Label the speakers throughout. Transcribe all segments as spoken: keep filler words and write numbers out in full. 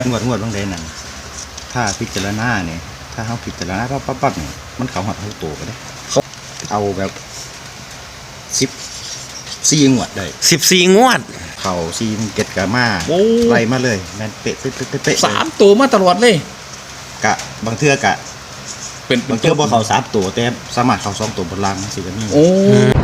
Speaker 1: งวดงวดบางเดนนั่นถ้าพิจารณาเนี่ยถ้าเขาพิจารณาปั๊บปั๊บปั๊บเนี่ยมันเขาหัดเขาโตไปได้เอาแบบสิบสี่งวดได้
Speaker 2: สิบสี่งวด
Speaker 1: เข่าซีนเก็ดกะมาไล่มาเลยแมนเป๊ะเป๊ะเป๊ะเป๊ะ
Speaker 3: สามตัวมาตลอดเลย
Speaker 1: กะบางเทือกะเป็นบางเทือบ่เขาสามตัวแต่สามารถเขาสองตัวบนล่างสิก็มี
Speaker 3: โอ้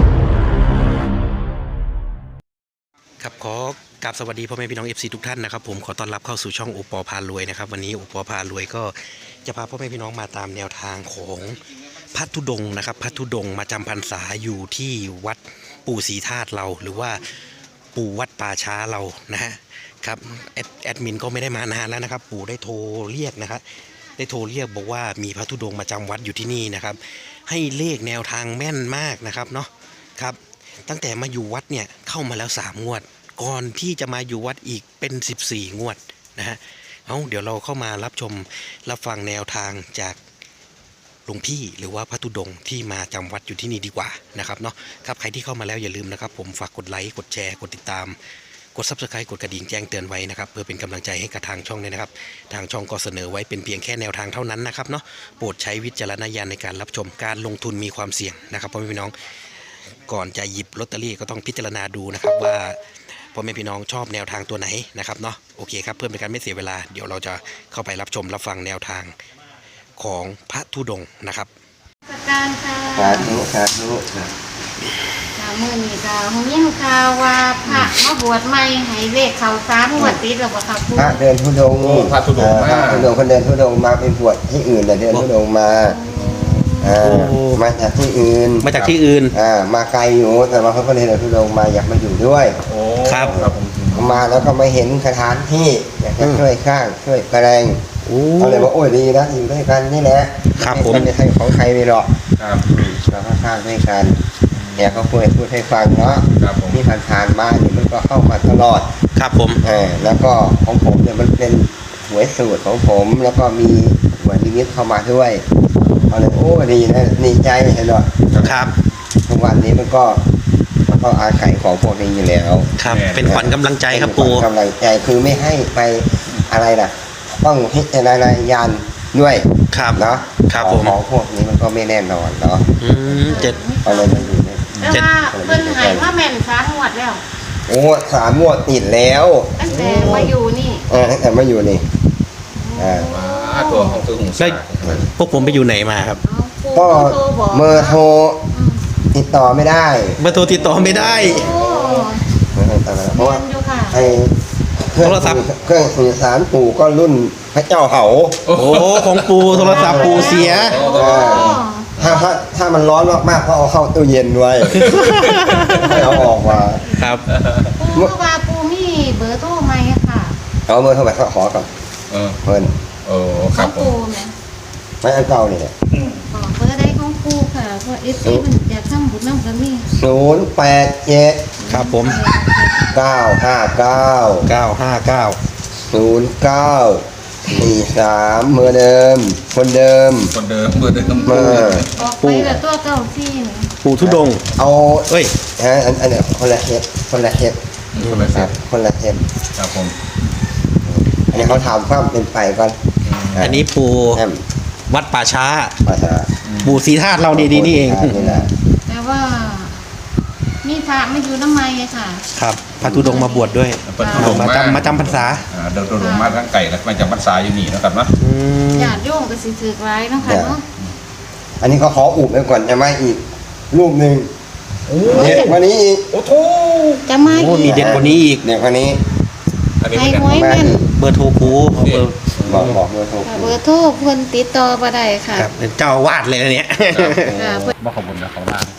Speaker 2: ครับขอกราบสวัสดีพ่อแม่พี่น้อง เอฟ ซี ทุกท่านนะครับผมขอต้อนรับเข้าสู่ช่องโอปอพารวยนะครับวันนี้โอปอพารวยก็จะพาพ่อแม่พี่น้องมาตามแนวทางของพระธุดงค์นะครับพระธุดงค์มาจำพรรษาอยู่ที่วัดปู่ศรีธาตุเราหรือว่าปู่วัดป่าช้าเรานะฮะครับแอดแอดมินก็ไม่ได้มานานแล้วนะครับปู่ได้โทรเรียกนะครับได้โทรเรียกบอกว่ามีพระธุดงค์มาจำวัดอยู่ที่นี่นะครับให้เลขแนวทางแม่นมากนะครับเนาะครับตั้งแต่มาอยู่วัดเนี่ยเข้ามาแล้วสามงวดก่อนที่จะมาอยู่วัดอีกเป็นสิบสี่งวดนะฮะเอาเดี๋ยวเราเข้ามารับชมรับฟังแนวทางจากหลวงพี่หรือว่าพระธุดงค์ที่มาจำวัดอยู่ที่นี่ดีกว่านะครับเนาะครับใครที่เข้ามาแล้วอย่าลืมนะครับผมฝากกดไลค์กดแชร์กดติดตามกด ซับสไครบ์ กดกระดิ่งแจ้งเตือนไว้นะครับเพื่อเป็นกำลังใจให้กับทางช่องด้วยนะครับทางช่องก็เสนอไว้เป็นเพียงแค่แนวทางเท่านั้นนะครับเนาะโปรดใช้วิจารณญาณในการรับชมการลงทุนมีความเสี่ยงนะครับพ่อแม่พี่น้องก่อนจะหยิบลอตเตอรี่ก็ต้องพิจารณาดูนะครับว่าพ่อแม่พี่น้องชอบแนวทางตัวไหนนะครับเนาะโอเคครับเพื่อเป็นการไม่เสียเวลาเดี๋ยวเราจะเข้าไปรับชมรับฟังแนวทางของพระธุดงค์นะครับ
Speaker 4: การค่ะ
Speaker 1: สาธุสาธุ
Speaker 4: ข่าวมือนี่ข่าวหงยิ่งข่าวว่าพระมาบวชใหม่ให้เลขเขาสามงวดติดแล้วบ่ครับครู
Speaker 5: พระเดินธุดงค์
Speaker 3: พระธุดงค์มา
Speaker 5: พระธุดงค์คนเดินธุดงค์มาเป็นบวชที่อื่นแต่เดินธุดงค์มามาจากที่อื่น
Speaker 2: มาจากที่อื่น
Speaker 5: อ่ามาไกลอยู่แต่ว่าเขาก็เลยเดินธุดงค์มาอยากมาอยู่ด้วย
Speaker 2: ครับ
Speaker 5: มาแล้วก็มาเห็นสถานที่อยากจะช่วยข้างช่วยแปลงเขาเลยว่าโอ้ยดีนะอยู่ด้วยกันนี่แหละ
Speaker 2: ครับผม
Speaker 5: ไม่ใช่ของใครไม่หรอกเราก็ข้างด้วยกันเนี่ยเขาพูดพูดให้ฟังเนาะที่ผ่านๆมาเนี่ยมันก็เข้ามาตลอด
Speaker 2: ครับผม
Speaker 5: เออแล้วก็ของผมเนี่ยมันเป็นหวยสูตรของผมแล้วก็มีหวยนิมิตเข้ามาด้วยเขาเลยโอ้ดีนะดีใจเห็นหรอ
Speaker 2: ครับ
Speaker 5: ทุกวันนี้มันก็มันก็อาศัยของพวกนี้อยู่แล้ว
Speaker 2: ครับเป็นขวัญกำลังใจครับปู่
Speaker 5: กำลังใจคือไม่ให้ไปอะไรนะต้องพิจารณาญาณด้วย
Speaker 2: ครับ
Speaker 5: เนาะ
Speaker 2: ครับผม
Speaker 5: ของพวกนี้มันก็ไม่แน่นอนเนาะ
Speaker 2: อืมเจ็ด
Speaker 5: เอาเลยมันอยู่เนี่ย
Speaker 4: แต่ว่าเพิ่นให้พระแม่นสามงวดแล้ว
Speaker 5: โอ้สามงวดติดแล้ว
Speaker 4: ตั้งแต่มาอยู่นี่
Speaker 5: เออตั้งแต่มาอยู่นี่อ่า
Speaker 3: ตัวของคือหงส์
Speaker 2: พวกผมไปอยู่ไหนมาครับ
Speaker 5: ก็เบอร์โทรติดต่อไม่ได้
Speaker 2: เบอร์โทรติดต่อไม่ได้
Speaker 5: เพราะว่าไอ้เครื่องเครื่องสื่อสารปู่ก็รุ่นพระเจ้าเหา
Speaker 2: โอ้ของปู่โทรศัพท์ปู่เสีย
Speaker 5: ถ้าถ้าถ้ามันร้อนมากๆก็เอาเข้าตู้เย็นไว้ไม่เอาออกมา
Speaker 2: ครับ
Speaker 4: ปู่ว่าปู่มีเบอร์โทรไหมค่ะ
Speaker 5: เอาเบอร์โทรไปขอก่อน
Speaker 3: เออ
Speaker 5: เพิ่น
Speaker 3: โอ้ครับ
Speaker 4: ปู่ไหม
Speaker 5: ไม่อันเก่านี่แหละ
Speaker 4: เบอร์ใดของปู่ค่ะเพราะเอฟซีมันอยากทำบุญน้ำกันนี่
Speaker 5: ศูนย์แปดเจ็ด
Speaker 2: ครับผม
Speaker 5: เก้าห้าเก้า
Speaker 2: เก้าห้าเก้า
Speaker 5: ศูนย์เก้าสี่สามเมื่อเดิมคนเดิม
Speaker 3: คนเดิมเมื่อเดิม
Speaker 5: มา
Speaker 4: ออกไปแบบตัวเก้าที่
Speaker 2: ปู่ธุดงค์
Speaker 5: เอา
Speaker 2: เอ้ย
Speaker 5: ฮะอันอันเนี้ยคนละเฮ็ดคนละเฮ็ด
Speaker 3: คนละเฮ็ด
Speaker 5: คนละเฮ็ด
Speaker 3: ครับผม
Speaker 5: อันนี้เขาถามความเป็นไปก่อน
Speaker 2: อันนี้ปู่วัดป่าช้า
Speaker 5: ป่าช้า
Speaker 2: ปู่ศรีธาตุเราดีๆนี่เอง
Speaker 4: แต่ว่ามีพระไม่อยู่น้ำไม้ไงค่ะ
Speaker 2: ครับพระธุดงค์มาบวชด้วยมาจำมาจำพรรษา
Speaker 3: เดินลงมาทั้งไก่แล้วมาจำพรรษาอยู่นี่นะครับนะ
Speaker 4: ญาติโยมก็สิถือไว้นะคะเนาะ
Speaker 5: อันนี้เขาขออุบไว้ก่อนจะมาอีกรูปหนึ่งเด็ดกว่านี้อีก
Speaker 3: โอ้โห
Speaker 4: จะมาอีก
Speaker 2: มีเด็ดกว่านี้อีก
Speaker 5: เด็ดกว่านี้
Speaker 4: ไอ้หวยแม่น
Speaker 2: เบอร์โทรครูเบอร์
Speaker 5: บอกบอกเบอร์โทร
Speaker 4: เบอร์โทรเพิ่นติดต่อบ่ได้ค่ะ
Speaker 2: ครับเป็นเจ้าวาดเลยนะเนี่ย
Speaker 3: บ่ขอบคุณนะเขาบ้าง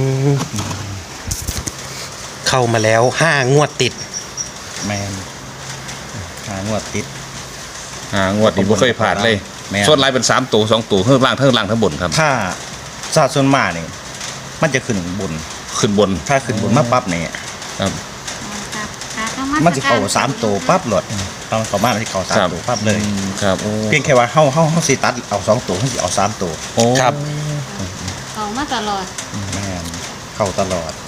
Speaker 2: เข้ามาแล้วห้างวดติด
Speaker 1: แมนห้างวดติด
Speaker 3: ห้างวดติดบ่เคยผ่านเลยส่วนลายเป็นสามตัวสองตัวทั้งล่างทั้งล่างทั้งบนครับ
Speaker 1: ถ้าซาส่วนมากนี่มันจะขึ้นบน
Speaker 3: ขึ้นบน
Speaker 1: ถ้าขึ้นบนมาปั๊บเนี่ย
Speaker 3: ครับ
Speaker 1: มันจะเข้าสามตัวปั๊บหลดตอนเข้ามาที่เข้าสามตัวปั๊บเลย
Speaker 3: ครับ
Speaker 1: เพียงแค่ว่าเข้าเข้าเข้าสิตัดเอาสองตัวเข้าสิเอาสามตัว
Speaker 2: ครับ
Speaker 4: เข้ามาตลอด
Speaker 1: แม่นเข้าตลอด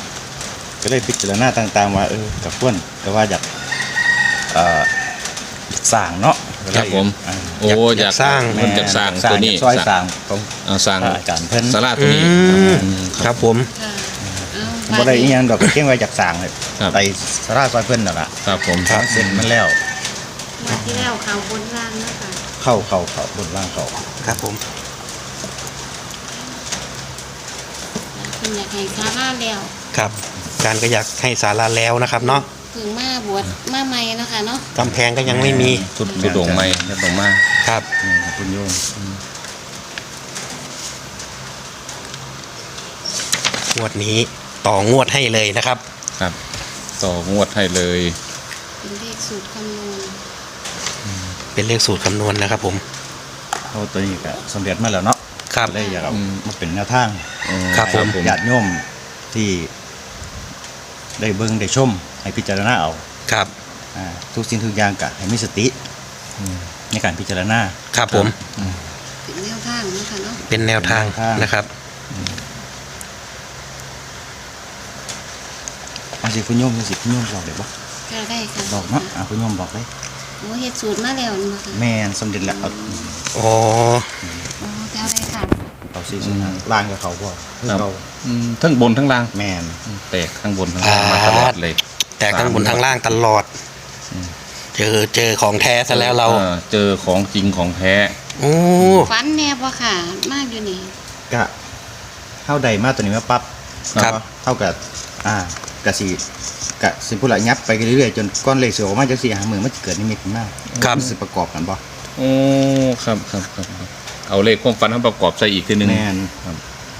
Speaker 1: ก็เลยพิจารณาต่างๆว่าเออกับเพื่อนแต่ว่าอยากเอ่อสร้างเนาะ
Speaker 3: ครับผม
Speaker 1: อ่า
Speaker 3: โอ้อยาก
Speaker 2: สร้าง
Speaker 3: เพิ่นจะสร้างตัวนี้
Speaker 1: ซอยสร้างของ
Speaker 3: อ่าสร้าง
Speaker 1: พระอาจารย์เพิ่น
Speaker 3: ศาลาตัว
Speaker 2: อื
Speaker 3: นี้
Speaker 2: มครับผม
Speaker 4: ค่ะเอา
Speaker 1: บ่ได้อีหยังดอกก็เก่งไว้จากสร้างเลย
Speaker 3: ครับ
Speaker 1: ไปสาราซอยเพิ่นนั่นล่ะ
Speaker 3: ครับผม
Speaker 1: ทางเส้นมันแล้ว
Speaker 4: มาที่แล้วเขาบนล่างนะคะ
Speaker 1: เข้าเข้าเข้าบนล่างเข้า
Speaker 2: ครับผม
Speaker 4: คุณอยากให้ซาร่าแล้ว
Speaker 2: ครับการก็อยากให้ศาลาแล้วนะครับเนาะ
Speaker 4: ถึงมาบวชมาใหม่เนาะคะเนาะ
Speaker 2: กำแพงก็ยังไม่มี
Speaker 3: สุดสุดโด่งไม่สุดโด่งมาก
Speaker 2: ครับ
Speaker 1: นี่ครับคุณโยม
Speaker 2: งวดนี้ต่องวดให้เลยนะครับ
Speaker 3: ครับต่องวดให้เลย
Speaker 4: เป็นเลขสูตรคำนวณ
Speaker 2: เป็นเลขสูตรคำนวณนะครับผม
Speaker 1: เขาตัวนี้ก็สำเร็จมาแล้วเนาะ
Speaker 2: ครับ
Speaker 1: เลยอยากเอา
Speaker 3: อืม
Speaker 1: มาเป็นแนวทาง
Speaker 2: ครับผม
Speaker 1: ญาติโยมที่ได้เบิ่งได้ชมให้พิจารณาเอา
Speaker 2: ครับ
Speaker 1: อ่าทุกสิ่งทุกอย่างก็ให้มีสติในการพิจารณา
Speaker 2: ครับผม
Speaker 4: เป็นแนวทางเนาะคะเนาะ
Speaker 2: เป็นแนวทาง
Speaker 1: เป็นแนวทาง
Speaker 2: นะครับ
Speaker 1: เอาสิคุณโยมสิคุณโยมบอกได้บ่
Speaker 4: ค่ะได้ค่ะ
Speaker 1: บอกเนาะอ่าคุณโยมบอกได้
Speaker 4: โอ้เฮ็ดสูตรมาแล้วเนาะคะ
Speaker 1: แม่นสำเร็จแล้วเอา
Speaker 2: อ๋อ
Speaker 4: โอ้เจ้าได้ค่ะ
Speaker 1: เอาสิสิล่างกับเขาบ่คือ
Speaker 3: ครับ
Speaker 1: เขา
Speaker 3: อืมทั้งบนทั้งล่าง
Speaker 1: แม่น
Speaker 3: แตกทั้งบนทั้งล่างมาตลอดเลย
Speaker 2: แต่ทั้งบนทั้งล่างตลอด เจอเจอของแท้ซะแล้วเรา
Speaker 3: ออเจอของจริงของแท้
Speaker 2: โอ้
Speaker 4: ฟันแน่บ่ค่ะ มากอยู่นี่
Speaker 1: ก็เท่าใดมาตัวนี้มาปั๊บ
Speaker 2: ครับ
Speaker 1: เท่ากับอ่ากะสิกะสิพูดละยับไปเรื่อยๆจนก้อนเลขเสือออกมาจังสี่หามือมันจะเกิดนิมิตขึ้นมา
Speaker 2: ครับ
Speaker 1: มันสิประกอบกันบ่
Speaker 3: โอ้ครับครับครับครับเอาเลขความฝันมาประกอบใส่อีกทีหนึง
Speaker 1: แม่น
Speaker 3: ครับ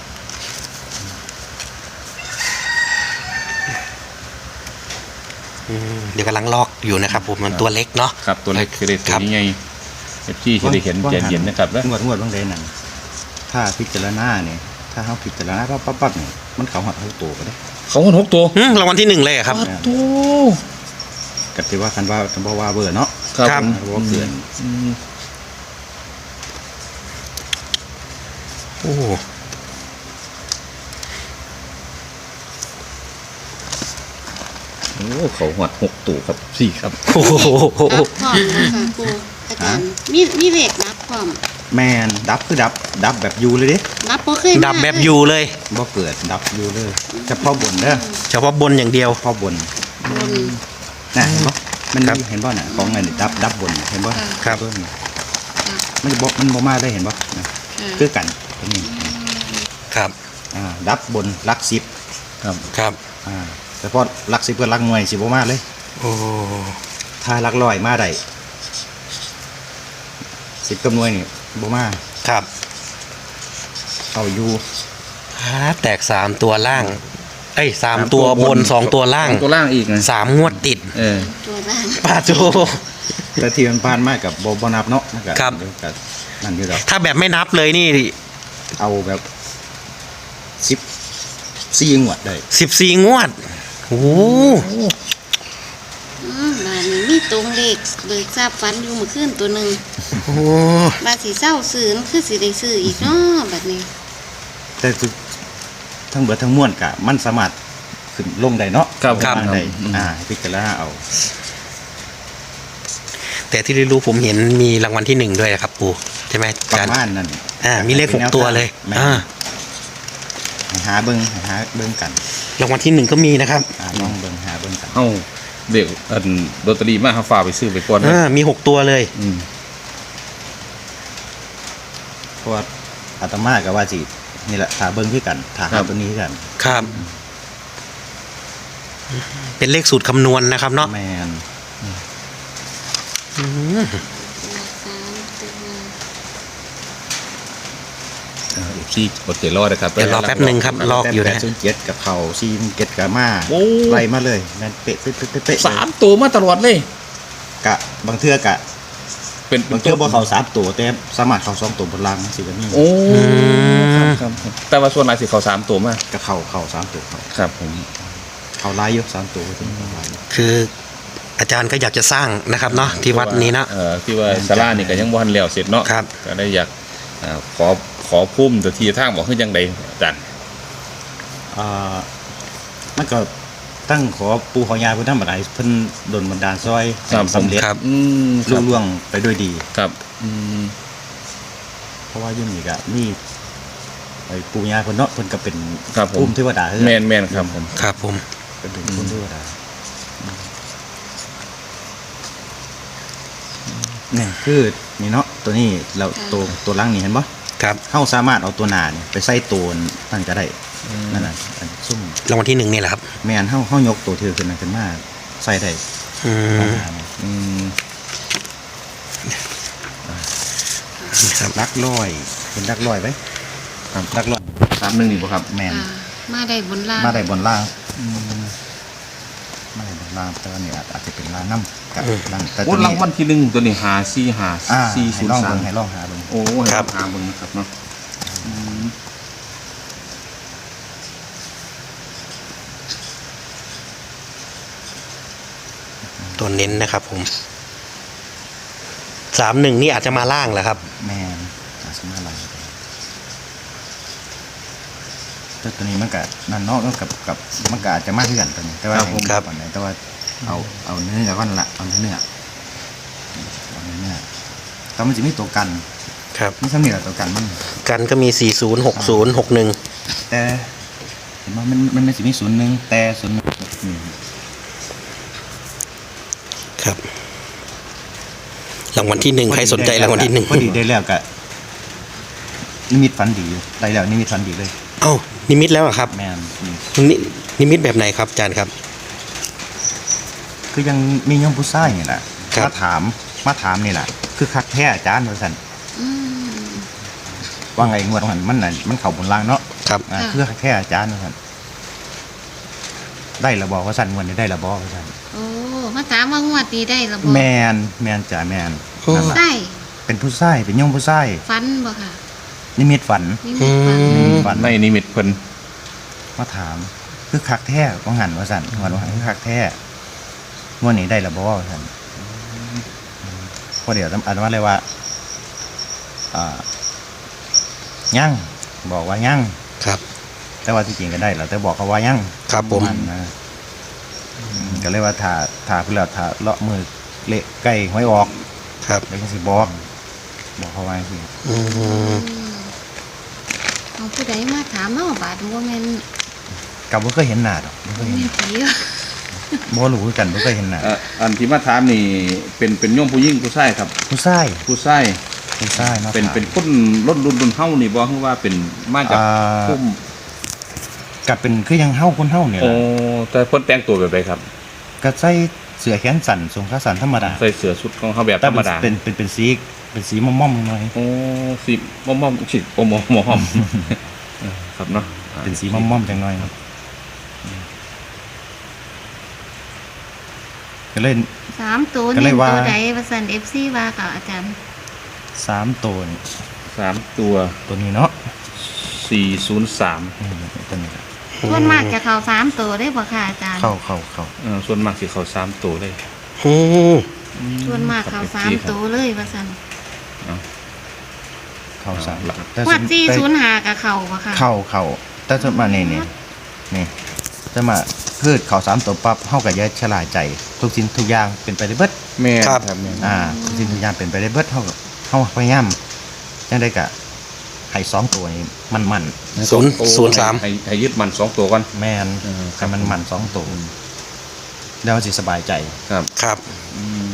Speaker 2: อืมเดี๋ยวกำลังลอกอยู่นะครับผมมันตัวเล็กเนาะ
Speaker 3: ครับตัวเลขคือเลข
Speaker 2: ค
Speaker 3: ตั
Speaker 2: รั
Speaker 3: ว
Speaker 2: บ
Speaker 3: นี้ไงเอฟซีที่ได้เห็นใจเย็นนะครับแล้ว
Speaker 1: งวดงวดบางเดนั่นถ้าพิจารณาเนี่ยถ้าเฮาพิจารณาปั๊บปั๊บปั๊บเนี่ยมันเข้าหัดเข้าตัวก็ได้
Speaker 3: เขาคนหกตัว
Speaker 2: อืมรางวัลที่หนึ่งเลยอะครับ
Speaker 3: อ้าวตัว
Speaker 1: ก็สิว่าคันว่าคันบ่ว่าเบอร์เนาะ
Speaker 3: ครับ
Speaker 2: ครับ
Speaker 3: ผม
Speaker 1: บ่เกิน
Speaker 3: อืม
Speaker 2: โอ้
Speaker 3: โอ้เขาหวดหกตัวครับสี่ครับ
Speaker 2: โห
Speaker 4: รับพร้อมเนาะค่ะครูอาจารย์มีมีเลขรับพร้อม
Speaker 1: แม่นดับคือดับดับแบบอยู่เลยเด้
Speaker 4: รับบ่เคยมา
Speaker 2: ดับแบบอยู่เลย
Speaker 1: บ่เกิดดับอยู่เลยเฉพาะบนเด้อ
Speaker 2: เฉพาะบนอย่างเดียว
Speaker 1: เฉพาะบน
Speaker 4: บน
Speaker 1: น่ะเห็นบ่มัน
Speaker 2: ครับ
Speaker 1: มีเห็นบ่น่ะของอันนี้ดับดับบนเห็นบ่
Speaker 4: ค่ะ
Speaker 2: ครับ
Speaker 1: เบิ่งนี่มันจะบ่มันบ่มาได้เห็นบ่นะ
Speaker 4: ค่ะ
Speaker 1: คือกันตรงนี้
Speaker 2: ครับ
Speaker 1: อ่าดับบนหลักสิบ
Speaker 3: ครับ
Speaker 2: ครับ
Speaker 1: อ่าแต่พอหลักสิบกับหลักหน่วยสิบ่มาเลย
Speaker 2: โอ้
Speaker 1: ถ้าหลักร้อยมาได้สิบกับหน่วยนี่บ่มา
Speaker 2: ครับ
Speaker 1: เอาอยู่
Speaker 2: ฮาแตกสามตัวล่าง เอ้ยสามตัวบนสองตัวล่าง
Speaker 3: สองตัวล่างอีกนะ
Speaker 2: สามงวดติด
Speaker 3: เออ
Speaker 4: ตัวล่าง
Speaker 2: ป้าโจ
Speaker 1: แต่ที่มันผ่านมากับบ่บ่นับเนาะมันก็
Speaker 2: ครับ
Speaker 1: เดี๋ยวก็นั่นอยู่ดอก
Speaker 2: ถ้าแบบไม่นับเลยนี่
Speaker 1: เอาแบบสิบสี่งวดได้
Speaker 2: สิบสี่งวดโอ้โห
Speaker 4: อืมบ้านนี้มีตรงเลขเบิกทราบฟันอยู่เมื่อคืนตัวหนึง
Speaker 2: โอ้โห
Speaker 4: บาดสิเศร้าซื้อนั่นคือสิได้ซื้ออีกเนาะบัดนี้
Speaker 1: แต่ทุกทั้งเบิดทั้งมวลกะมันสามารถขึ้นลงได้เนาะ
Speaker 3: ครับครับ
Speaker 1: ลงได้
Speaker 3: อืม
Speaker 1: อ่าให้พิจารณาเอา
Speaker 2: แต่ที่ได้รู้ผมเห็นมีรางวัลที่หนึ่งด้วยครับปู่ใช่ไหม
Speaker 1: ประ
Speaker 2: การ
Speaker 1: มาณนั้น
Speaker 2: อ่ามีเลขหกตัวเลย
Speaker 1: แม่น
Speaker 2: อ่า
Speaker 1: ให้หาเบิ่งให้หาเบิ่งกัน
Speaker 2: รางวัลที่หนึ่งก็มีนะครับ
Speaker 1: อ่าลองเบิ่งหาเบิ่งกัน
Speaker 3: เอ้าเด็กอันลอตเตอรี่มาหาฝากไปซื้อไปก่อนนะ
Speaker 2: อ่ามีหกตัวเลย
Speaker 3: อืม
Speaker 1: เพราะว่าอาตมาก็ว่าสินี่แหละหาเบิ่งคือกันหาหาตัวนี้คือกัน
Speaker 2: ครับ เป็นเลขสูตรคำนวณนะครับเนาะ
Speaker 1: แม่น
Speaker 2: อืม
Speaker 4: สามตัว
Speaker 3: เอฟซีกดเจรอนะครับ
Speaker 2: เดี๋ยวรอแป๊บหนึ่งครับ ลอกอยู่นะ
Speaker 1: แต่ศูนย์เจ็ดกับเขาซีนเจ็ดกับมา
Speaker 3: โอ้
Speaker 1: ไล่มาเลยแม่นเป๊ะเป๊ะเป๊ะเป๊ะเป๊ะ
Speaker 3: สามตัวมาตลอดเลย
Speaker 1: กะบางเทื่อกะ
Speaker 3: เป็น
Speaker 1: บางเทื่อบ่เขาสามตัวแต่สามารถเขาสองตัวบนล่างสิก็มี
Speaker 3: โอ้ครับครับครับแต่ว่าส่วนหลายสิเขาสามตัวมาก
Speaker 1: ก็เข้าเข้าสามตัวเขา
Speaker 3: ครับผม
Speaker 1: เขาไล่เยอะสามตัวถึงเขาไล่เยอะ
Speaker 2: คืออาจารย์ก็อยากจะสร้างนะครับเนาะที่วัดนี้นะ
Speaker 3: เอ่อที่ว่าศาลานี่ก็ยังบ่ทันแล้วเสร็จเนาะ
Speaker 2: ครับ
Speaker 3: ก็ได้อยากอ่าขอขอพุ่มตัวทีทางบอกคือจังไดอาจารย์
Speaker 1: อ่ามันก็ตั้งขอปู่ขอยาเพิ่นทำอะไรเพิ่นดลบันดาลซอยให้สำเร็จ
Speaker 2: ครับ
Speaker 3: อืมค
Speaker 1: ลุ
Speaker 3: รับ
Speaker 1: ล่วงไปด้วยดี
Speaker 3: ครับอืม
Speaker 1: เพราะว่าอยุ่นี่ก็มีไอ้ปู่ย่าเพิ่นเนาะเพิ่นก็เป็น
Speaker 3: ครับผม
Speaker 1: ภูมิเทวดาคือกัน
Speaker 3: แม่นแม่นครับผม
Speaker 2: ครับผม
Speaker 1: เป็นเป็นภูมิเทวดาเนี่ยคือนี่เนาะตัวนี้เราตัวตัวล่างนี่เห็นบ่
Speaker 2: ครับ
Speaker 1: เฮาสามารถเอาตัวหน้านี่ไปใส่ตัวนั่นก็ได้นั่นน่ะอันซุ่ม
Speaker 2: รางวัลที่หนึ่งนี่แหละครับ
Speaker 1: แม่นเฮาเฮายกตัวถือขึ้นมาขึ้นมาใส่ได้
Speaker 2: อืม
Speaker 3: อืม
Speaker 2: ครับ
Speaker 1: ลักร้อยเป็นลักร้อยไว้ครับลักร้อย
Speaker 3: สามหนึ่งนี่บ่ครับ
Speaker 1: แม่น
Speaker 4: ค่ะมาได้บนล่าง
Speaker 1: มาได้บนล่างมาได้บนล่างแต่ว่านี่อาจอาจจะเป็นล่างน้ำกับล่างแต่
Speaker 3: โอ้
Speaker 1: ตัว
Speaker 3: ราง
Speaker 1: นี้
Speaker 3: วัลที่หนึ่งตัวนี้หาสี่หา
Speaker 1: อ่า
Speaker 3: สี่
Speaker 1: ให้
Speaker 3: ศูน
Speaker 1: ลอ
Speaker 3: ย์
Speaker 1: ง
Speaker 3: สา
Speaker 1: เบิ่
Speaker 3: ม
Speaker 1: งให้ลองหาเบิ่ง
Speaker 3: โอ้
Speaker 2: ครับ
Speaker 3: หาเบิ่งนะครับเนาะอืม
Speaker 2: ตัวเน้นนะครับผมสามหนึ่งนี่อาจจะมาล่างแหละครับ
Speaker 1: แม่นอาจจะมาล่างแต่ตัวนี้มันก็นั่นเนาะมันกับกับมันก็อาจจะมาเพื่อนตัวนี้แต่ว่า
Speaker 2: ครับผมครับ
Speaker 1: ก่อนไหนแต่ว่าเอาเอาเนื้อก่อนละเอาเนื้อเนื้อเอาเนื้อเนื้อแต่มันจะมีตัวกัน
Speaker 2: ครับ
Speaker 1: นี่สำเนียงตัวกันมัน
Speaker 2: กันก็มีสี่ศูนย์หกศูนย์หกหนึ่ง
Speaker 1: แต่เห็นว่ามันมันไม่สิมีศูนย์หนึ่งแต่ศูนย์หนึ่งนี่
Speaker 2: ครับรางวัลที่หนึ่งใครสนใจรางวัลที่หนึ่ง
Speaker 1: พอดีได้แล้วก็นิมิตฝันดีอยู่ได้แล้วนิมิตฝันดีเลย
Speaker 2: เอ้านิมิตแล้วเหรอครับ
Speaker 1: แมนนี่
Speaker 2: นินิมิตแบบไหนครับอาจารย์ครับ
Speaker 1: คือยังมีโยมผู้ชายนี่แหละ
Speaker 2: ครับ
Speaker 1: มาถามมาถามนี่แหละคือคักแท้อาจารย์ว่าซั่น
Speaker 4: อืม
Speaker 1: ว่าไงงวดมันมันน่ะมันเข้าบนล่างเนาะ
Speaker 2: ครับ
Speaker 1: อ่า
Speaker 4: ค่ะ
Speaker 1: คือคักแท้อาจารย์ว่าซั่นได้ละบ่ว่าซั่นงวดนี้ได้ละบ่ว่าซั่น
Speaker 4: โอ้มาถามว่างวดนี้ได้หรือบ่
Speaker 1: แมนแมนจ้ะแมน
Speaker 2: โอ้
Speaker 1: นั่นล่ะ
Speaker 4: ได้
Speaker 1: เป็นผู้ชายเป็นโยมผู้ชาย
Speaker 4: ฟันบ่ค่ะ
Speaker 1: นิมิตฝัน
Speaker 4: นี่มีฟัน
Speaker 2: อื
Speaker 1: นิ
Speaker 2: ม
Speaker 1: มิตฝัน
Speaker 3: ในนิมิตเพิ่น
Speaker 1: มาถามคือคักแท้ว่าหันว่าซั่นว่าหันคือคักแท้งวดนี้ได้ละบ่ว่าซั่นพอเดี๋ยวอันว่าเลยว่าอ่ายังบอกว่ายัง
Speaker 2: ครับ
Speaker 1: แต่ว่าที่จริงก็ได้แล้วแต่บอกเขาว่ายัง
Speaker 2: ครับผม
Speaker 1: นนะอืมก็เลยว่าถ้าถ้าเพื่อถ้าเลาะมือเละใกล้ห้อยออก
Speaker 2: ครับ
Speaker 1: แล้วก็สิบอกบอกเขาว่าสิ
Speaker 2: อืม
Speaker 4: อืมเอาผู้ใดมาถามเนาะบาดบ่แม่น
Speaker 1: กับบ่เคยเห็นหน้าดอกบ่เค
Speaker 4: บ่
Speaker 1: ยเห็น
Speaker 4: แม่นผีเหรอ
Speaker 1: บ่รู้คือกันบ่เคยเห็นหน้า
Speaker 3: เอ่ออันที่มาถามนี่เป็นเป็นโยมผู้หญิงผู้ชายครับ
Speaker 1: ผู้ชาย
Speaker 3: ผู้ชาย
Speaker 1: ผู้ชายเนาะ
Speaker 3: เป็นเป็นคนรุ่นรุ่นรุ่นเฮานี่บ่คือว่าเป็นมาจาก
Speaker 1: อ่า
Speaker 3: พุ่ม
Speaker 1: ก็เป็นคือยังเฮาคนเฮาเนี่ย
Speaker 3: โอ้
Speaker 1: ล่ะ
Speaker 3: แต่เพิ่นแต่งตัวแบบใดครับ
Speaker 1: ก็ใส่เสื้อแขนสั้นทรงขาสั้นธรรมดา
Speaker 3: ใส่เสื้อชุดของเขาแบบธ
Speaker 1: แต่
Speaker 3: รรมดา
Speaker 1: เป็นเป็นเป็นสีเป็นสีม่อมๆหน่อย
Speaker 3: โอ้สิม่อมม่อมๆสิโอ้หมอหมอหอมเออครับเนาะ
Speaker 1: เป็นสีม่อมๆจังหน่อยก็เล่น
Speaker 4: สามตัว
Speaker 1: ก็
Speaker 4: นี่
Speaker 1: เลยว่า
Speaker 4: ตัวใดว่าซั่น เอฟ ซี ว่าค่ะอาจารย์
Speaker 1: สามตัวนี่
Speaker 3: สามตัว
Speaker 1: ตัวนี้เนาะ
Speaker 3: สี่ศูนย์สาม
Speaker 1: อืมตัวนี้
Speaker 4: ส่วนมากจะเข้าสามตัวได้บ่ค่ะอาจารย์
Speaker 1: เข้าเข้าเข้า
Speaker 3: เออส่วนมากสิเขาสามตัวเลย
Speaker 2: อืม
Speaker 4: ส่วนมากเข้าสามตัวเลยว่าซั่น
Speaker 1: เข้าสาม
Speaker 3: หลัก
Speaker 1: แต่
Speaker 4: งว
Speaker 1: ส่ว
Speaker 4: ด
Speaker 1: น
Speaker 4: สี่
Speaker 1: แต่
Speaker 4: ศูนย์ห้าก็เข้าบ่ค่ะ
Speaker 1: เข้าเข้าแต่จะมานี่นี่นี่จะมาพืชเขาสามตัวปั๊บเฮากับยายฉลาดใจ ทุกสิ่งทุกอย่างเป็นไปได้เบิด
Speaker 3: แม่
Speaker 2: ครับ
Speaker 3: ครับแม่
Speaker 1: อ่าทุกสิ่งทุกอย่างเป็นไปได้เบิดเฮาก็เฮาพยายามจังได้กะให้สองตัวนี้มันมัน
Speaker 2: ศูนย์ศูนย์สาม
Speaker 3: ให้ให้ยึดมันสองตัวก่อน
Speaker 1: แม่น
Speaker 3: เออครั
Speaker 1: ให้
Speaker 3: บ
Speaker 1: มันมันสองตัวแล้วสิสบายใจ
Speaker 3: ครับ
Speaker 2: ครับ
Speaker 3: อืม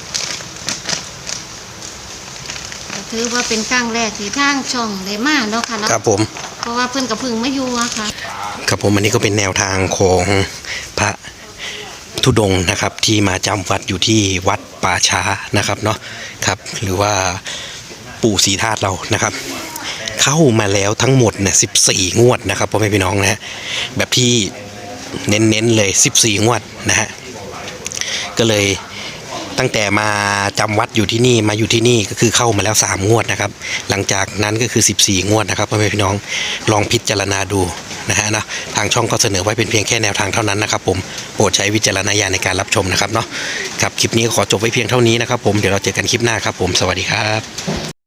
Speaker 4: ก็ถือว่าเป็นครั้งแรกที่ทางช่องได้มาเนาะค่ะเนาะ
Speaker 2: ครับผม
Speaker 4: เพราะว่าเพิ่นก็เพิ่งมาอยู่อะค่ะ
Speaker 2: ครับผมอันนี้ก็เป็นแนวทางของพระธุดงค์นะครับ ที่มาจำวัดอยู่ที่วัดป่าช้านะครับเนาะครับ หรือว่าปู่ศรีธาตุเรานะครับ เข้ามาแล้วทั้งหมดเนี่ยสิบสี่งวดนะครับพ่อแม่พี่น้องนะฮะแบบที่เน้นๆเลยสิบสี่งวดนะฮะก็เลยตั้งแต่มาจำวัดอยู่ที่นี่มาอยู่ที่นี่ก็คือเข้ามาแล้วสามงวดนะครับ หลังจากนั้นก็คือสิบสี่งวดนะครับพ่อแม่พี่น้องลองพิจารณาดูนะฮะนะทางช่องก็เสนอไว้เป็นเพียงแค่แนวทางเท่านั้นนะครับผมโปรดใช้วิจารณญาณในการรับชมนะครับเนาะครับคลิปนี้ขอจบไว้เพียงเท่านี้นะครับผมเดี๋ยวเราเจอกันคลิปหน้าครับผมสวัสดีครับ